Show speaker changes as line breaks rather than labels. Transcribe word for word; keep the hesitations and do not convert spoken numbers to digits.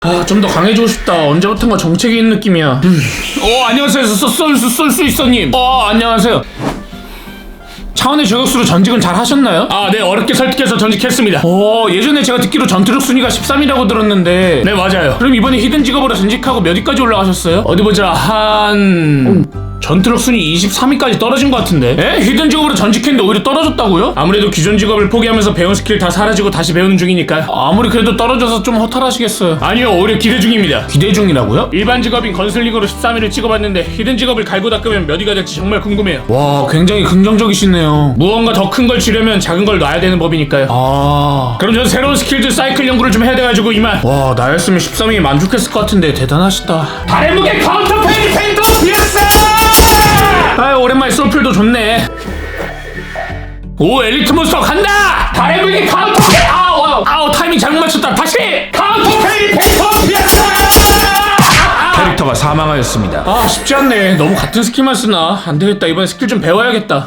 아, 좀 더 강해지고 싶다. 언제부턴가 정책이 있는 느낌이야. 음. 어, 안녕하세요. 쏠 수 있어님. 어, 안녕하세요. 차원의 저격수로 전직은 잘 하셨나요? 아, 네, 어렵게 설득해서 전직했습니다. 오, 예전에 제가 듣기로 전투력 순위가 십삼이라고 들었는데. 네, 맞아요. 그럼 이번에 히든 직업으로 전직하고 몇 위까지 올라가셨어요? 어디 보자. 한... 전투력 순위 이십삼 위까지 떨어진 것 같은데? 에? 히든 직업으로 전직했는데 오히려 떨어졌다고요? 아무래도 기존 직업을 포기하면서 배운 스킬 다 사라지고 다시 배우는 중이니까요. 아무리 그래도 떨어져서 좀 허탈하시겠어요. 아니요, 오히려 기대 중입니다. 기대 중이라고요? 일반 직업인 건슬링으로 십삼 위를 찍어봤는데 히든 직업을 갈고 닦으면 몇 위가 될지 정말 궁금해요. 와, 굉장히 긍정적이시네요. 무언가 더 큰 걸 지려면 작은 걸 놔야 되는 법이니까요. 아... 그럼 전 새로운 스킬들 사이클 연구를 좀 해야 돼가지고 이만. 와, 나였으면 십삼 위 만족했을 것 같은데 대단하시다. 달의 무게 카운터 페이지 펜더 피어스! 아유, 오랜만에 솔플도 좋네. 오, 엘리트 몬스터 간다! 달의 무기 카운터 페이! 아우, 아우, 아우, 타이밍 잘못 맞췄다. 다시! 카운터 페이 펜터 피어스!
캐릭터가 사망하였습니다.
아, 쉽지 않네. 너무 같은 스킬만 쓰나? 안 되겠다. 이번에 스킬 좀 배워야겠다.